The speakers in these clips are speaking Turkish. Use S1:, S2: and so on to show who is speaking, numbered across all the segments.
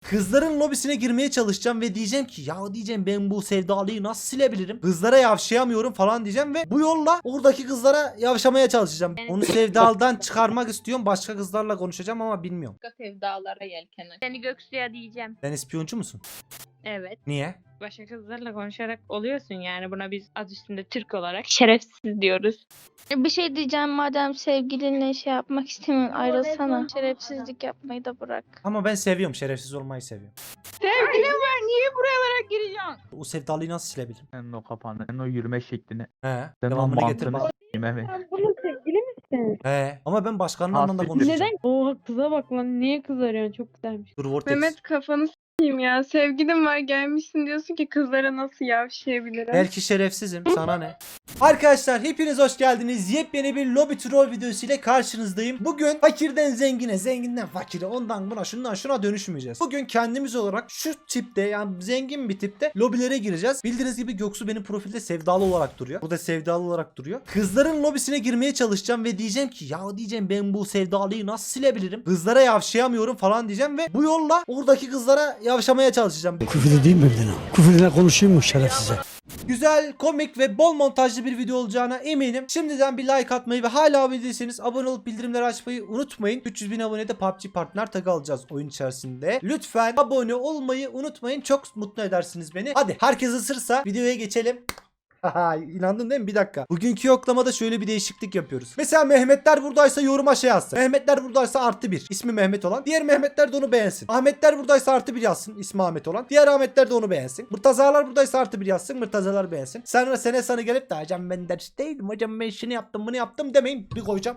S1: Kızların lobisine girmeye çalışacağım ve diyeceğim ki ya diyeceğim ben bu sevdalıyı nasıl silebilirim? Kızlara yavşayamıyorum falan diyeceğim ve bu yolla oradaki kızlara yavşamaya çalışacağım. Onu sevdaldan çıkarmak istiyorum. Başka kızlarla konuşacağım ama bilmiyorum.
S2: Başka sevdalara yelken aç. Seni Göksu'ya diyeceğim.
S1: Sen ispiyoncu musun?
S2: Evet.
S1: Niye?
S2: Başka kızlarla konuşarak oluyorsun yani. Buna biz adı üstünde Türk olarak şerefsiz diyoruz.
S3: Bir şey diyeceğim, madem sevgilinle şey yapmak istemiyorsun, ayrılsana. Şerefsizlik yapmayı da bırak.
S1: Ama ben seviyorum. Şerefsiz olmayı seviyorum.
S2: Sevgilim var, niye buralara gireceksin?
S1: O sevdalıyı nasıl silebilirim?
S4: Senin o kafanı, senin o yürüme şeklini,
S1: He.
S4: senin o
S1: Devamını getir
S4: mantığını
S1: bak.
S4: s**eyim evet.
S5: Sen bunun sevgili misin?
S1: He. Ama ben başkanın
S4: Ha,
S1: anlamda
S4: siktir.
S1: konuşacağım.
S5: Neden? Oha kıza bak lan. Niye kız arıyorsun? Çok güzelmiş.
S1: Dur Vortex.
S6: Mehmet kafanı s**eyim ya. Sevgilim var gelmişsin diyorsun ki kızlara nasıl yavşayabilirim?
S1: Belki şerefsizim. Sana ne? Arkadaşlar hepiniz hoş geldiniz. Yepyeni bir lobby troll videosu ile karşınızdayım. Bugün fakirden zengine, zenginden fakire, ondan buna, şundan şuna dönüşmeyeceğiz. Bugün kendimiz olarak şu tipte, yani zengin bir tipte lobilere gireceğiz. Bildiğiniz gibi Göksu benim profilde sevdalı olarak duruyor. Burada sevdalı olarak duruyor. Kızların lobisine girmeye çalışacağım ve diyeceğim ki ya diyeceğim ben bu sevdalıyı nasıl silebilirim? Kızlara yavşayamıyorum falan diyeceğim ve bu yolla oradaki kızlara yavşamaya çalışacağım.
S7: Küfür edeyim mi birine? Küfürle konuşayım mı şerefsize?
S1: Güzel, komik ve bol montajlı bir video olacağına eminim. Şimdiden bir like atmayı ve hala abone değilseniz abone olup bildirimleri açmayı unutmayın. 300.000 abonede PUBG partner tagı alacağız oyun içerisinde. Lütfen abone olmayı unutmayın. Çok mutlu edersiniz beni. Hadi herkes ısırsa videoya geçelim. Haha, İnandın değil mi? Bir dakika. Bugünkü yoklamada şöyle bir değişiklik yapıyoruz. Mesela Mehmetler buradaysa yoruma şey yazsın. Mehmetler buradaysa +1. İsmi Mehmet olan. Diğer Mehmetler de onu beğensin. Ahmetler buradaysa +1 yazsın. İsmi Ahmet olan. Diğer Ahmetler de onu beğensin. Mırtazalar buradaysa +1 yazsın. Mırtazalar beğensin. Sonra sene sana gelip de hocam ben ders değilim. Hocam ben şunu yaptım bunu yaptım demeyin. Bir koyacağım.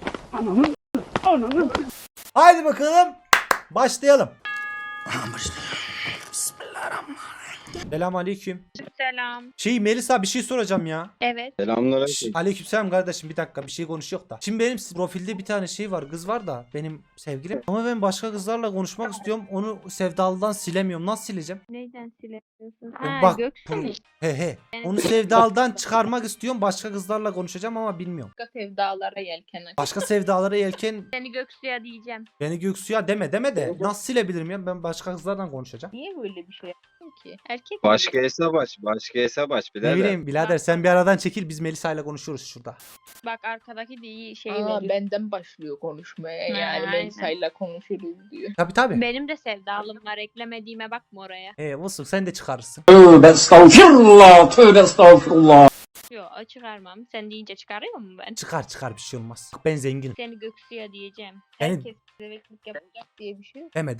S1: Haydi bakalım. Başlayalım. Selamünaleyküm.
S2: Selam.
S1: Melisa bir şey soracağım ya.
S2: Evet.
S1: Aleykümselam kardeşim, bir dakika bir şey konuşuyor da. Şimdi benim profilde bir tane şey var, kız var da benim sevgilim. Ama ben başka kızlarla konuşmak istiyorum. Onu sevdalıdan silemiyorum. Nasıl sileceğim?
S2: Neyden silemiyorsun?
S1: Bak,
S2: Göksu mu?
S1: He. Onu sevdalıdan çıkarmak istiyorum. Başka kızlarla konuşacağım ama bilmiyorum.
S2: Başka sevdalara yelken aç.
S1: Başka sevdalara yelken
S2: Seni Göksu'ya diyeceğim.
S1: beni Göksu'ya deme de. Nasıl silebilirim ya? Ben başka kızlarla konuşacağım.
S2: Niye böyle bir şey yaptın ki? Erkek mi
S8: Başka
S2: bu?
S8: hesap aç. Başka hesap aç
S1: Ne
S8: birader.
S1: bileyim birader, sen bir aradan çekil, biz Melisa ile konuşuyoruz şurada.
S2: Bak arkadaki de iyi şey
S6: Aa,
S2: veriyor.
S6: benden başlıyor konuşmaya. Yani
S2: aynen.
S6: Melisa'yla konuşuruz diyor.
S1: Tabii.
S2: Benim de sevdalım var. Eklemediğime bakma oraya.
S1: Olsun, sen de çıkarırsın.
S7: Tövbe estağfurullah, tövbe estağfurullah.
S2: Yok çıkarmam. Sen deyince çıkarıyor mu ben?
S1: Çıkar bir şey olmaz. Bak, ben zenginim.
S2: Seni Göksu'ya diyeceğim.
S1: Yani-
S2: Herkes bebeklik yapacak diye bir şey yok.
S1: Deme.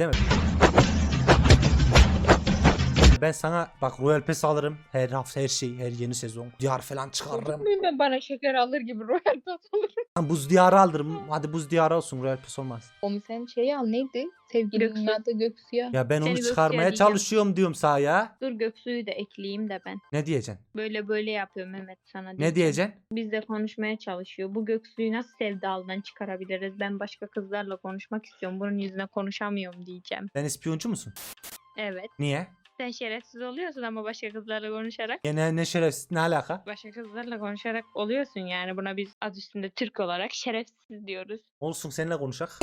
S1: Ben sana bak Royal Pass alırım. Her hafta her şey, her yeni sezon. Diyar falan çıkarırım.
S6: Muyum ben bana şeker alır gibi Royal Pass alırım.
S1: Lan buz diyarı alırım. Hadi buz diyarı olsun, Royal Pass olmaz.
S6: Onu sen şey al neydi? Sevgilinin
S2: Göksu.
S6: adı Göksu'ya.
S1: Ya ben onu
S2: Seni
S1: çıkarmaya
S2: Göksu'ya diyeceğim.
S1: çalışıyorum diyorum sana ya.
S2: Dur Göksu'yu da ekleyeyim de ben.
S1: Ne diyeceksin?
S2: Böyle yapıyor Mehmet sana
S1: Ne
S2: diyeceğim.
S1: diyeceksin?
S2: Bizle konuşmaya çalışıyor. Bu Göksu'yu nasıl sevdalıdan çıkarabiliriz? Ben başka kızlarla konuşmak istiyorum. Bunun yüzüne konuşamıyorum diyeceğim.
S1: Sen ispiyoncu musun?
S2: Evet.
S1: Niye?
S2: Sen şerefsiz oluyorsun ama başka kızlarla konuşarak.
S1: Ne şerefsiz, ne alaka?
S2: Başka kızlarla konuşarak oluyorsun yani. Buna biz adı üstünde Türk olarak şerefsiz diyoruz.
S1: Olsun, seninle konuşak.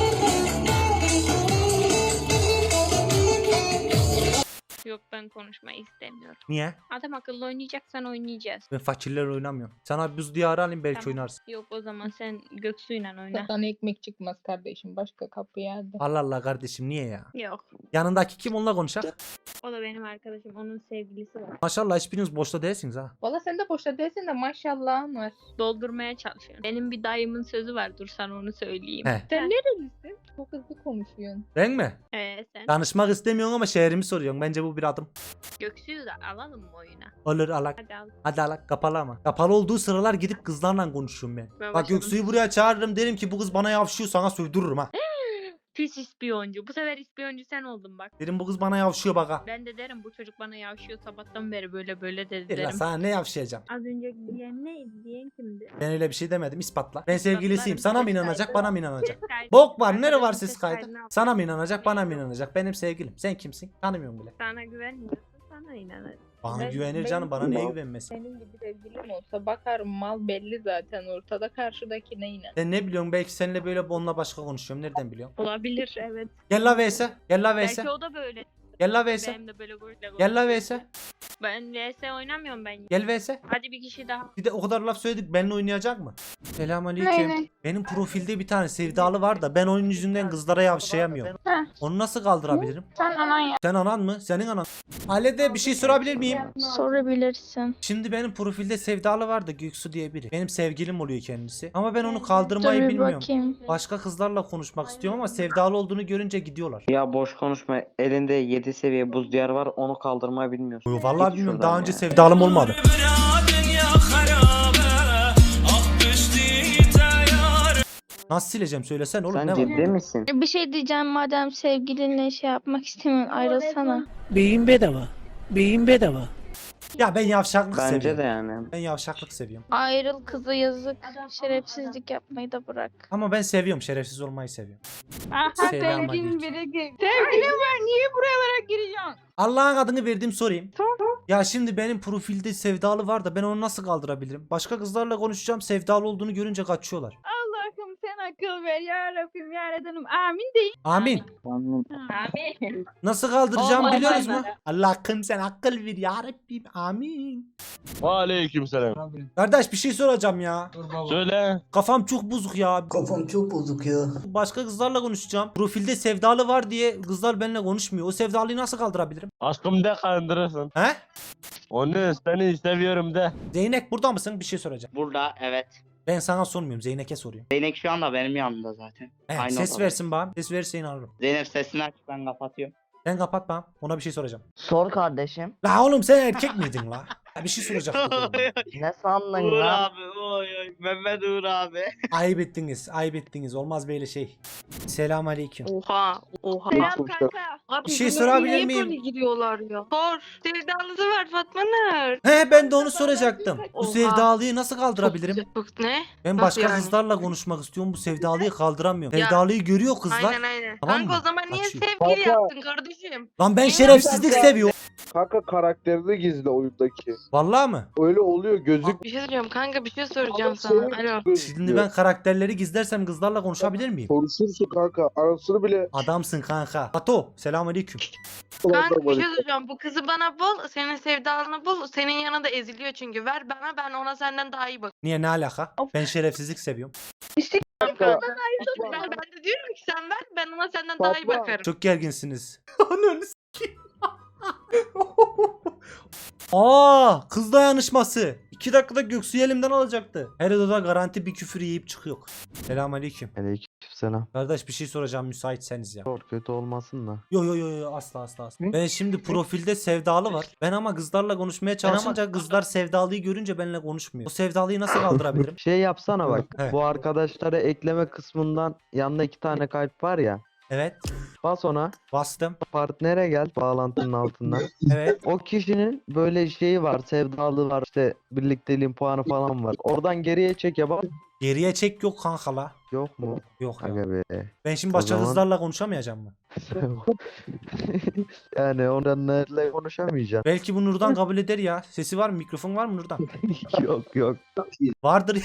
S2: Yok ben konuşmayı istemiyorum.
S1: Niye?
S2: Adam akıllı oynayacaksan oynayacağız.
S1: Ben fakirlerle oynamıyorum. Sana buz diyarı alayım, belki
S2: Tamam.
S1: oynarsın.
S2: Yok o zaman sen Göksu'yla oyna.
S6: Sana ekmek çıkmaz kardeşim. Başka kapı yerde.
S1: Allah Allah kardeşim, niye ya?
S2: Yok.
S1: Yanındaki kim, onunla konuşak?
S2: O da benim arkadaşım. Onun sevgilisi var.
S1: Maşallah hiçbiriniz boşta değilsiniz ha.
S6: Valla sen de boşta değilsin de maşallahın var.
S2: Doldurmaya çalışıyorum. Benim bir dayımın sözü var. Dur sana onu söyleyeyim.
S1: He.
S6: Sen nerelisin? Çok hızlı konuşuyorsun.
S1: Ben mi?
S2: Sen
S1: Danışmak istemiyorsun ama şehrimi soruyorsun. Bence bu bir adım.
S2: Göksu'yu da alalım mı oyuna?
S1: Olur, alak.
S2: Hadi al.
S1: Hadi alak, kapalı ama. Kapalı olduğu sıralar gidip kızlarla konuşuyorum ben.
S2: Ben
S1: Bak
S2: başladım.
S1: Göksu'yu buraya çağırırım, derim ki bu kız bana yavşıyor, sana sövdürürüm ha.
S2: Pis ispiyoncu. Bu sefer ispiyoncu sen oldun bak.
S1: Derim bu kız bana yavşıyor bak ha.
S2: Ben de derim bu çocuk bana yavşıyor sabahtan beri böyle dedi
S1: Bir lan,
S2: derim.
S1: sana ne yavşayacağım?
S2: Az önce diyen neydi? Diyen kimdi?
S1: Ben öyle bir şey demedim, ispatla. Ben sevgilisiyim, sana mı inanacak, bana mı inanacak?
S2: Ses kaydı-
S1: Bok var, nere var
S2: Arkadaşın
S1: ses
S2: ses
S1: kaydı?
S2: kaydını al.
S1: Sana mı inanacak, bana mı inanacak? Benim sevgilim. Sen kimsin? Tanımıyorum bile.
S2: Sana güvenmiyorsun. sana inanırım.
S1: Bana
S2: Ben-
S1: güvenir
S2: ben-
S1: canım, bana niye güvenmesin?
S8: Senin gibi sevgilim olsa bakarım, mal belli zaten ortada, karşıdakine inan.
S1: Sen ne biliyorsun, belki seninle böyle onunla başka konuşuyorum, nereden biliyorsun?
S2: Olabilir evet.
S1: Gel la Veyse, gel la Veyse,
S2: Belki o da böyle.
S1: gel la Veyse,
S2: Benim de böyle
S1: gel la Veyse,
S2: Ben VS oynamıyorum ben.
S1: gel Veyse.
S2: Hadi bir kişi daha.
S1: Bir de o kadar laf söyledik, benimle oynayacak mı? Selamünaleyküm.
S3: Aynen.
S1: Benim profilde bir tane sevdalı var da ben onun yüzünden kızlara yavşayamıyorum.
S3: Heh.
S1: Onu nasıl kaldırabilirim?
S3: Sen anan yap.
S1: Sen anan mı? Senin anan. Halede bir şey sorabilir miyim?
S3: Sorabilirsin.
S1: Şimdi benim profilde sevdalı var da Göksu diye biri. Benim sevgilim oluyor kendisi. Ama ben onu kaldırmayı
S3: Dur bir
S1: bilmiyorum.
S3: bakayım.
S1: Başka kızlarla konuşmak istiyorum ama sevdalı olduğunu görünce gidiyorlar.
S9: Ya boş konuşma. Elinde 7 seviye buz diyar var. Onu kaldırmayı bilmiyorsun.
S1: Yo, vallahi
S9: Git
S1: bilmiyorum.
S9: şuradan
S1: Daha önce
S9: ya.
S1: sevdalım olmadı. Nasıl sileceğim söylesen oğlum,
S9: Sen
S1: ne var?
S9: ciddi misin?
S3: Bir şey diyeceğim, madem sevgilinle şey yapmak istemiyorsun, ayrılsana.
S7: Beyin bedava. Beyin bedava.
S1: Ya ben yavşaklık
S9: Bence
S1: seviyorum.
S9: de yani.
S1: Ben yavşaklık seviyorum.
S3: Ayrıl, kızı yazık. Şerefsizlik yapmayı da bırak.
S1: Ama ben seviyorum. Şerefsiz olmayı seviyorum.
S6: Aha
S1: Selamünaleyküm.
S6: sevgilin biri sevgilim var, niye buralara giriyorsun?
S1: Allah'ın adını verdim, sorayım.
S6: Tamam.
S1: Ya şimdi benim profilde sevdalı var da ben onu nasıl kaldırabilirim? Başka kızlarla konuşacağım, sevdalı olduğunu görünce kaçıyorlar.
S6: Allah'ım sen akıl ver ya Rabbim ya Rabbim, amin deyin.
S1: Amin.
S2: Amin.
S1: Nasıl kaldıracağım
S2: Olmaz
S1: biliyoruz mu?
S2: olmaz.
S1: Allah'ım sen akıl ver ya Rabbim. Amin.
S10: Aleykümselam.
S1: Kardeş bir şey soracağım ya.
S10: Söyle.
S1: Kafam çok bozuk ya.
S7: Kafam çok bozuk ya.
S1: Başka kızlarla konuşacağım. Profilde sevdalı var diye kızlar benimle konuşmuyor. O sevdalıyı nasıl kaldırabilirim?
S10: Aşkım de kandırırsın.
S1: He?
S10: Onu seni seviyorum de.
S1: Zeynep burada mısın? Bir şey soracağım.
S9: Burada evet.
S1: Ben sana sormuyorum. Zeynep'e soruyorum.
S9: Zeynep şu anda benim yanımda zaten.
S1: He,
S9: Aynı
S1: ses
S9: odada.
S1: versin bana. Ses verirse inanırım.
S9: Zeynep sesini aç, ben kapatıyorum.
S1: Sen kapat bana. Ona bir şey soracağım.
S9: Sor kardeşim.
S1: La oğlum sen erkek miydin la? Ya bir şey soracaktım. oğlum.
S9: Ne sandın
S11: Uğur
S9: lan?
S11: abi, oy oy, Mehmet Uğur abi.
S1: Ayıp ettiniz. Ayıp ettiniz. Olmaz böyle şey. Selamünaleyküm.
S2: Oha. Oha.
S6: Selam kanka.
S1: Bir şey sorabilir miyim?
S6: giriyorlar ya? Sor. Sevdalısı var Fatma Nur.
S1: He, ben de onu soracaktım. Bu
S6: Oha.
S1: sevdalıyı nasıl kaldırabilirim?
S6: Ne?
S1: Ben
S6: Nasıl
S1: başka
S6: yani?
S1: kızlarla konuşmak istiyorum. Bu sevdalıyı kaldıramıyorum.
S6: Ya,
S1: Sevdalıyı görüyor kızlar.
S6: Aynen.
S1: Tamam
S6: Kanka
S1: mı?
S6: o zaman niye
S1: Kaçıyor.
S6: sevgili yaptın kardeşim?
S1: Lan ben şerefsizlik seviyorum.
S12: Kanka karakterini gizle oyundaki.
S1: Vallahi mı?
S12: Öyle oluyor, gözük.
S6: Bir şey söyleyeceğim kanka, bir şey soracağım
S12: Senin
S6: sana. Alo.
S1: Şimdi ben karakterleri gizlersem kızlarla konuşabilir miyim?
S12: Konuşursun kanka. Arasını bile.
S1: Adamsın kanka. Pato, selamünaleyküm.
S6: Kanka bir şey söyleyeceğim. Bu kızı bana bul. Senin sevdalını bul. Senin yanında eziliyor çünkü. Ver bana, ben ona senden daha iyi bak.
S1: Niye, ne alaka? Ben şerefsizlik seviyorum.
S12: Kanka,
S6: Ben de diyorum ki sen ver, ben ona senden daha iyi
S12: Fatma.
S6: bakarım.
S1: Çok gerginsiniz. Ananı s**eyim. Aa, kız dayanışması. 2 dakikada Göksu'yu elimden alacaktı. Her odada garanti bir küfür yiyip çıkıyor. Selamünaleyküm.
S9: Aleykümselam.
S1: Kardeş bir şey soracağım müsaitseniz ya.
S9: Sor, kötü olmasın da.
S1: Yo asla. Ben şimdi profilde sevdalı var. Ben ama kızlarla konuşmaya çalışınca kızlar sevdalıyı görünce benimle konuşmuyor. O sevdalıyı nasıl kaldırabilirim?
S9: Şey yapsana bak.
S1: He.
S9: Bu arkadaşları ekleme kısmından yanında 2 tane kalp var ya.
S1: Evet,
S9: Bas ona.
S1: bastım.
S9: Partnere gel bağlantının altından.
S1: Evet.
S9: O kişinin böyle şeyi var, sevdalığı var, işte birlikteliğin puanı falan var. Oradan geriye çek ya bak.
S1: Geriye çek yok kanka la.
S9: Yok mu?
S1: Yok ya.
S9: Aga be.
S1: Ben şimdi
S9: O
S1: başka
S9: zaman-
S1: kızlarla konuşamayacağım mı?
S9: Yani onlarla konuşamayacaksın.
S1: Belki bu Nurdan kabul eder ya. Sesi var mı? Mikrofon var mı Nurdan?
S9: Yok.
S1: Vardır.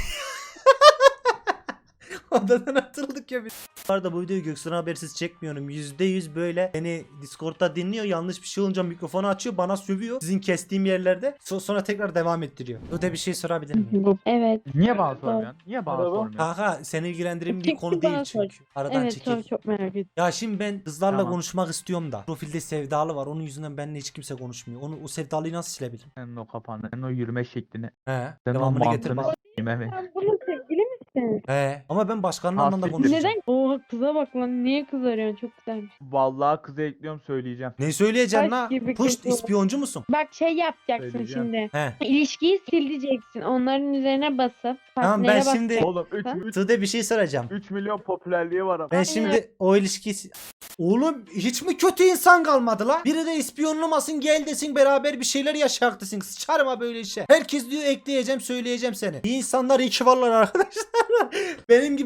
S1: Odadan atıldık ya biz. Bu arada bu videoyu Göksu'dan habersiz çekmiyorum. %100 böyle beni Discord'da dinliyor. Yanlış bir şey olunca mikrofonu açıyor. Bana sövüyor. Sizin kestiğim yerlerde. Sonra tekrar devam ettiriyor. Öde bir şey sorabilir miyim?
S5: Evet.
S4: Niye bana sormuyorsun? Niye bana sormuyorsun?
S1: Kanka seni ilgilendiren bir
S5: Çünkü
S1: konu
S5: bana
S1: değil
S5: sor.
S1: çünkü. Aradan
S5: Evet
S1: çekil.
S5: çok merak ettim.
S1: Ya şimdi ben kızlarla
S4: Tamam.
S1: konuşmak istiyorum da. Profilde sevdalı var. Onun yüzünden benimle hiç kimse konuşmuyor. O sevdalıyı nasıl silebilirim?
S4: Senin o kafanı, senin o yürüme şeklini,
S1: He.
S4: senin o
S1: Devamını getir
S4: mantığını
S1: bana.
S4: s**eyim evet.
S5: Sen bunun sevgili misin?
S1: He. Ama ben başkanla
S4: Hasret.
S1: anlamda konuşacağım.
S5: Neden? Oha kıza bak lan, niye kız arıyorsun, çok güzelmiş.
S4: Vallahi kızı ekliyorum söyleyeceğim.
S1: Ne söyleyeceksin
S5: Taş
S1: la?
S5: gibi
S1: Puş,
S5: kız o.
S1: ispiyoncu musun?
S5: Bak şey yapacaksın
S4: Söyleyeceğim.
S5: şimdi.
S1: He.
S5: İlişkiyi sileceksin. Onların üzerine basıp
S1: Tamam, ben
S5: partnere
S1: şimdi-
S5: basacaksın.
S4: Oğlum
S5: Ha?
S4: 3
S1: Tuğde bir şey soracağım.
S4: milyon popülerliği var ama.
S1: Ben şimdi o ilişkisi... Oğlum hiç mi kötü insan kalmadı la? Biri de ispiyonlamasın, gel desin, beraber bir şeyler yaşak desin. Sıçarım ha böyle işe. Herkes diyor ekleyeceğim, söyleyeceğim seni. İyi insanlar iyi ki varlar arkadaşlar. Benim gibi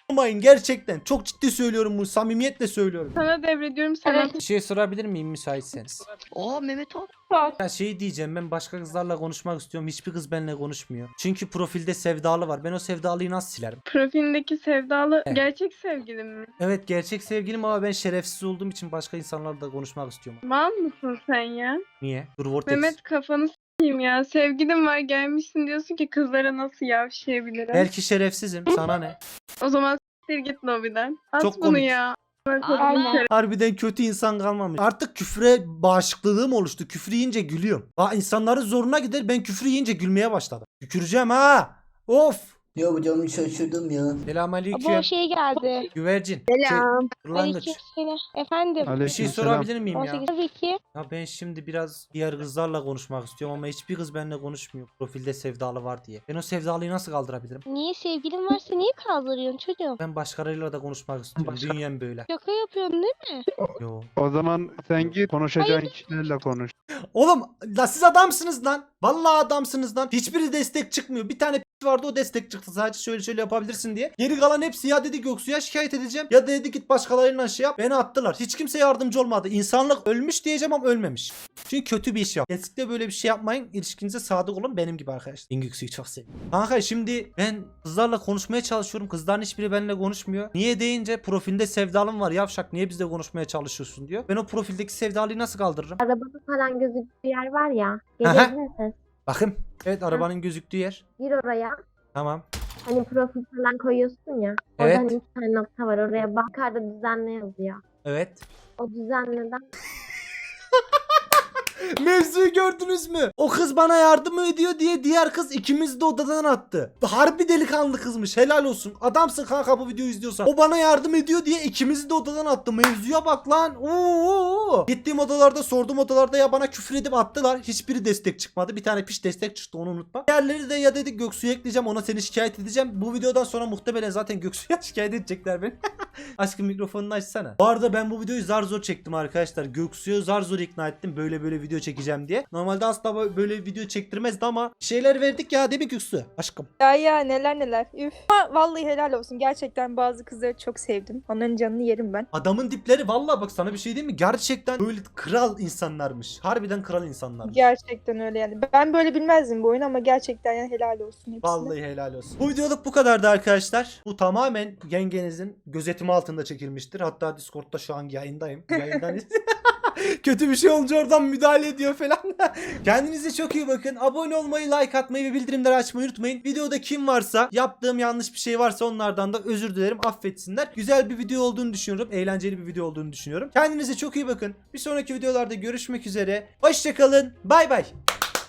S1: olmayın gerçekten. Çok ciddi söylüyorum bunu. Samimiyetle söylüyorum.
S8: Sana devrediyorum sana.
S1: Bir şey sorabilir miyim müsaitseniz?
S11: Oo Mehmet abi.
S1: Ya şey diyeceğim, ben başka kızlarla konuşmak istiyorum. Hiçbir kız benimle konuşmuyor. Çünkü profilde sevdalı var. Ben o sevdalıyı nasıl silerim?
S8: Profilindeki sevdalı
S1: Evet.
S8: gerçek sevgilim mi?
S1: Evet gerçek sevgilim ama ben şerefsiz olduğum için başka insanlarla da konuşmak istiyorum.
S8: Mal mısın sen ya?
S1: Niye? Dur Vortex.
S8: Mehmet kafanı s**eyim ya. Sevgilim var gelmişsin diyorsun ki kızlara nasıl yavşayabilirim?
S1: Belki şerefsizim. Sana ne?
S8: O zaman s**tir git lobiden. At
S1: Çok
S8: bunu
S1: komik.
S8: ya.
S5: Aynen.
S1: Harbiden kötü insan kalmamış. Artık küfre bağışıklığım oluştu. Küfür yiyince gülüyorum. İnsanların zoruna gider, ben küfür yiyince gülmeye başladım. Tüküreceğim ha. Of.
S7: Ya hocam şaşırdım ya.
S1: Selamünaleyküm.
S3: Bu şey geldi.
S1: Güvercin.
S5: Selam.
S1: Kırlangıç.
S3: Aleykümselam. Efendim.
S1: Bir şey sorabilir miyim ya?
S3: 18 tabii ki.
S1: Ya ben şimdi biraz diğer kızlarla konuşmak istiyorum ama hiçbir kız benimle konuşmuyor. Profilde sevdalı var diye. Ben o sevdalıyı nasıl kaldırabilirim?
S3: Niye sevgilin varsa niye kaldırıyorsun çocuğum?
S1: Ben başkalarıyla da konuşmak istiyorum. Dünyam böyle.
S3: Şaka yapıyorsun değil mi?
S1: Yo.
S12: O zaman sen git konuşacağın kişilerle konuş.
S1: Oğlum la siz adamsınız lan. Vallahi adamsınız lan. Hiçbiri destek çıkmıyor. Bir tane vardı, o destek çıktı. Sadece şöyle şöyle yapabilirsin diye. Geri kalan hepsi ya dedi Göksu'ya şikayet edeceğim. Ya dedi git başkalarıyla şey yap. Beni attılar. Hiç kimse yardımcı olmadı. İnsanlık ölmüş diyeceğim ama ölmemiş. Çünkü kötü bir iş yap. Kesinlikle böyle bir şey yapmayın. İlişkinize sadık olun benim gibi arkadaşlar. Ben Göksu'yu çok seviyorum. Kanka şimdi ben kızlarla konuşmaya çalışıyorum. Kızların hiçbiri benimle konuşmuyor. Niye deyince profilde sevdalım var yavşak. Niye bizle konuşmaya çalışıyorsun diyor. Ben o profildeki sevdalıyı nasıl kaldırırım?
S13: Arabada falan gözüktüğü yer var ya.
S1: Aha.
S13: Gelebilir misin?
S1: Bakın. Evet arabanın gözüktüğü yer.
S13: Gir oraya.
S1: Tamam.
S13: Hani profil falan koyuyorsun ya.
S1: Evet.
S13: Orada hani 2 tane nokta var. Oraya bak. Yukarıda düzenle yazıyor.
S1: Evet.
S13: O düzenleden
S1: Mevzuyu gördünüz mü? O kız bana yardım ediyor diye diğer kız ikimizi de odadan attı. Harbi delikanlı kızmış. Helal olsun. Adamsın kanka bu videoyu izliyorsan. O bana yardım ediyor diye ikimizi de odadan attı. Mevzuya bak lan. Oo. Gittiğim odalarda, sorduğum odalarda ya bana küfür edip attılar. Hiçbiri destek çıkmadı. Bir tane piş destek çıktı, onu unutma. Diğerleri de ya dedik Göksu'ya ekleyeceğim, ona seni şikayet edeceğim. Bu videodan sonra muhtemelen zaten Göksu'ya şikayet edecekler beni. Aşkım mikrofonunu açsana. Bu arada ben bu videoyu zar zor çektim arkadaşlar. Göksu'yu zar zor ikna ettim. Böyle video çekeceğim diye. Normalde asla böyle video çektirmezdi ama şeyler verdik ya değil mi Göksu? Aşkım.
S8: Ya neler. Üf. Ama vallahi helal olsun. Gerçekten bazı kızları çok sevdim. Onların canını yerim ben.
S1: Adamın dipleri vallahi bak sana bir şey diyeyim mi? Gerçekten böyle kral insanlarmış. Harbiden kral insanlarmış.
S8: Gerçekten öyle yani. Ben böyle bilmezdim bu oyunu ama gerçekten yani helal olsun hepsine.
S1: Vallahi helal olsun. Bu videoluk bu kadardı arkadaşlar. Bu tamamen yengenizin gözetimi altında çekilmiştir. Hatta Discord'da şu an yayındayım. Yayından kötü bir şey olunca oradan müdahale ediyor falan. Kendinize çok iyi bakın. Abone olmayı, like atmayı ve bildirimleri açmayı unutmayın. Videoda kim varsa, yaptığım yanlış bir şey varsa onlardan da özür dilerim. Affetsinler. Güzel bir video olduğunu düşünüyorum. Eğlenceli bir video olduğunu düşünüyorum. Kendinize çok iyi bakın. Bir sonraki videolarda görüşmek üzere. Hoşçakalın. Bay bay.